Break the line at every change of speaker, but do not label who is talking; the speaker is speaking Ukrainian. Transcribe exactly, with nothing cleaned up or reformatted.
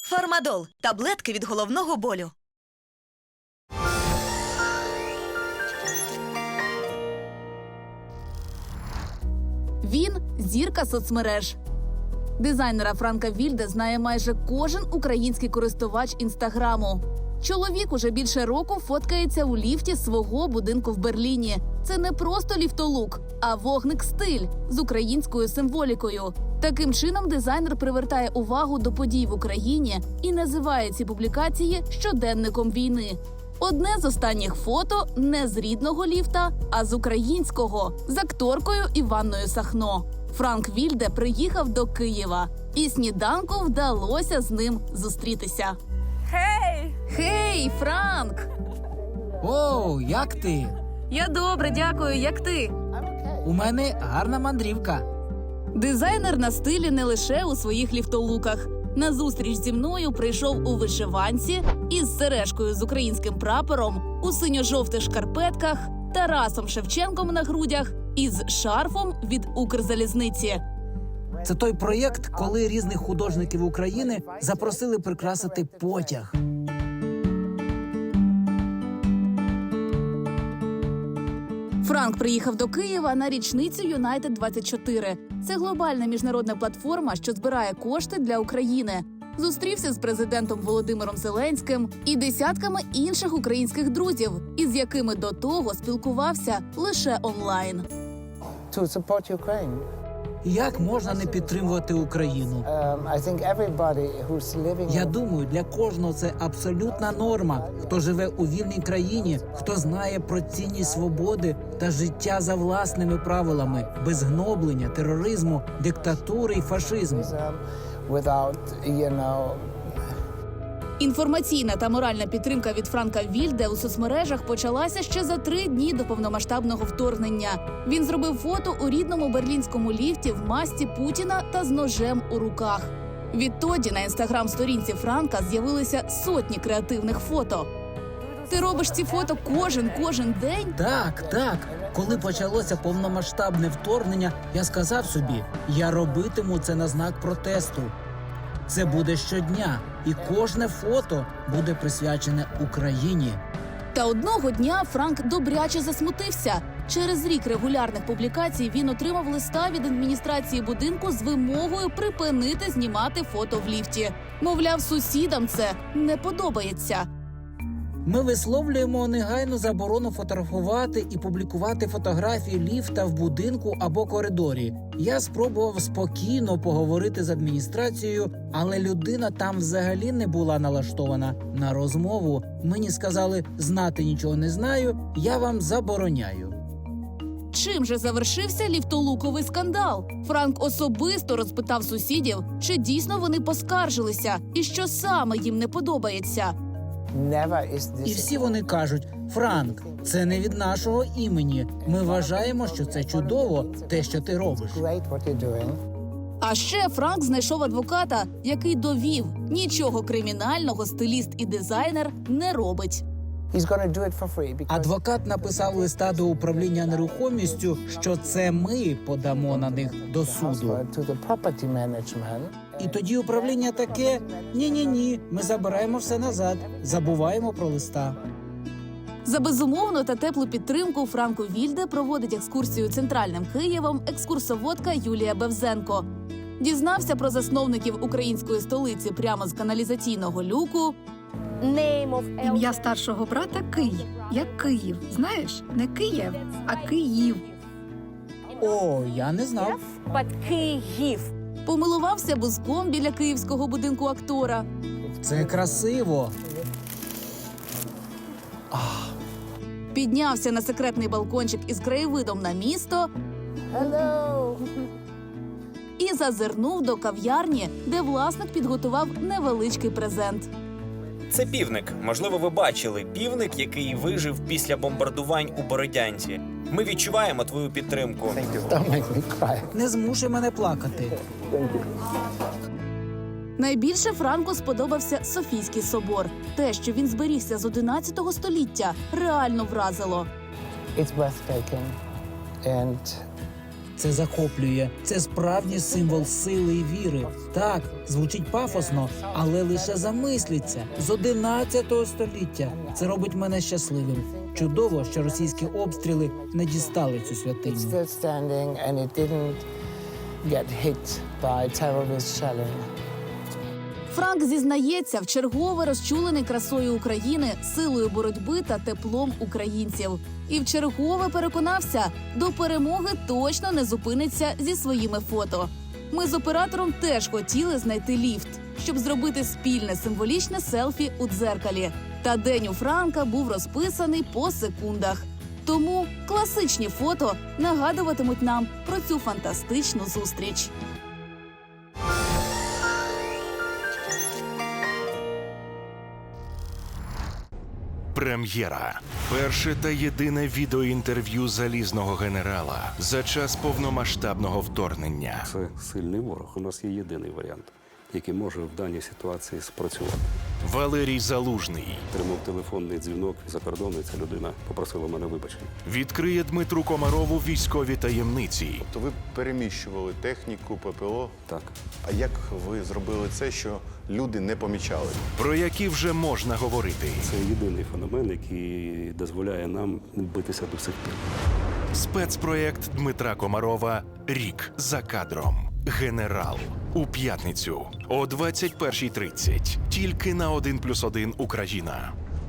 Фармадол – таблетки від головного болю.
Він – зірка соцмереж. Дизайнера Франка Вільде знає майже кожен український користувач Інстаграму. Чоловік уже більше року фоткається у ліфті свого будинку в Берліні. Це не просто ліфтолук, а вогник-стиль з українською символікою. Таким чином дизайнер привертає увагу до подій в Україні і називає ці публікації щоденником війни. Одне з останніх фото не з рідного ліфта, а з українського, з акторкою Іванною Сахно. Франк Вільде приїхав до Києва, і сніданку вдалося з ним зустрітися.
Хей!
Хей, Франк!
Оу, як ти?
Я добре, дякую. Як ти?
У мене гарна мандрівка.
Дизайнер на стилі не лише у своїх ліфтолуках. На зустріч зі мною прийшов у вишиванці із сережкою з українським прапором, у синьо-жовтих шкарпетках, Тарасом Шевченком на грудях і з шарфом від Укрзалізниці.
Це той проєкт, коли різних художників України запросили прикрасити потяг.
Франк приїхав до Києва на річницю Юнайтед двадцять чотири. Це глобальна міжнародна платформа, що збирає кошти для України. Зустрівся з президентом Володимиром Зеленським і десятками інших українських друзів, із якими до того спілкувався лише онлайн.
To support Ukraine.
Як можна не підтримувати Україну?
Um, I think everybody who's living
Я
in-
думаю, для кожного це абсолютна норма. Хто живе у вільній країні, хто знає про цінність свободи та життя за власними правилами, без гноблення, тероризму, диктатури і фашизму.
um, without, you know,
Інформаційна та моральна підтримка від Франка Вільде у соцмережах почалася ще за три дні до повномасштабного вторгнення. Він зробив фото у рідному берлінському ліфті в масці Путіна та з ножем у руках. Відтоді на інстаграм-сторінці Франка з'явилися сотні креативних фото. Ти робиш ці фото кожен, кожен день?
Так, так. Коли почалося повномасштабне вторгнення, я сказав собі, я робитиму це на знак протесту. Це буде щодня, і кожне фото буде присвячене Україні.
Та одного дня Франк добряче засмутився. Через рік регулярних публікацій він отримав листа від адміністрації будинку з вимогою припинити знімати фото в ліфті. Мовляв, сусідам це не подобається.
Ми висловлюємо негайну заборону фотографувати і публікувати фотографії ліфта в будинку або коридорі. Я спробував спокійно поговорити з адміністрацією, але людина там взагалі не була налаштована на розмову. Мені сказали, знати нічого не знаю, я вам забороняю.
Чим же завершився ліфтолуковий скандал? Франк особисто розпитав сусідів, чи дійсно вони поскаржилися і що саме їм не подобається.
never is this
І всі вони кажуть, Франк, це не від нашого імені. Ми вважаємо, що це чудово, те, що ти робиш.
great what you're doing.
А ще Франк знайшов адвоката, який довів, нічого кримінального стиліст і дизайнер не робить.
He's gonna do it for free because
Адвокат написав листа до управління нерухомістю, що це ми подамо на них до суду.
to the property management.
І тоді управління таке, ні-ні-ні, ми забираємо все назад, забуваємо про листа.
За безумовну та теплу підтримку Франку Вільде проводить екскурсію центральним Києвом екскурсоводка Юлія Бевзенко. Дізнався про засновників української столиці прямо з каналізаційного люку.
Ім'я старшого брата Київ. Як Київ. Знаєш, не Київ, а Київ.
О, я не знав.
Помилувався бузком біля київського будинку актора.
Це красиво.
Піднявся на секретний балкончик із краєвидом на місто
Hello.
і зазирнув до кав'ярні, де власник підготував невеличкий презент.
Це півник. Можливо, ви бачили півник, який вижив після бомбардувань у Бородянці. Ми відчуваємо твою підтримку.
Don't make me cry.
Не змушуй мене плакати.
Найбільше Франку сподобався Софійський собор. Те, що він зберігся з одинадцятого століття, реально вразило.
It's breathtaking. And
Це захоплює. Це справжній символ сили і віри. Так, звучить пафосно, але лише замисліться. З одинадцятого століття. Це робить мене щасливим. Чудово, що російські обстріли не дістали цю
It's
святиню.
still standing and it didn't get hit by terrorist shelling.
Франк зізнається, вчергове розчулений красою України, силою боротьби та теплом українців. І вчергове переконався, до перемоги точно не зупиниться зі своїми фото. Ми з оператором теж хотіли знайти ліфт, щоб зробити спільне символічне селфі у дзеркалі. Та день у Франка був розписаний по секундах. Тому класичні фото нагадуватимуть нам про цю фантастичну зустріч.
Прем'єра. Перше та єдине відеоінтерв'ю залізного генерала за час повномасштабного вторгнення.
Це сильний ворог. У нас є єдиний варіант, який може в даній ситуації спрацювати.
Валерій Залужний
Отримав телефонний дзвінок за кордону, і ця людина попросила мене вибачення.
відкриє Дмитру Комарову військові таємниці.
То ви переміщували техніку, ППО.
Так.
А як ви зробили це, що люди не помічали?
Про які вже можна говорити.
Це єдиний феномен, який дозволяє нам битися до сих пір.
Спецпроєкт Дмитра Комарова «Рік за кадром. Генерал». У п'ятницю о двадцять першій тридцять. Тільки на один плюс один Україна.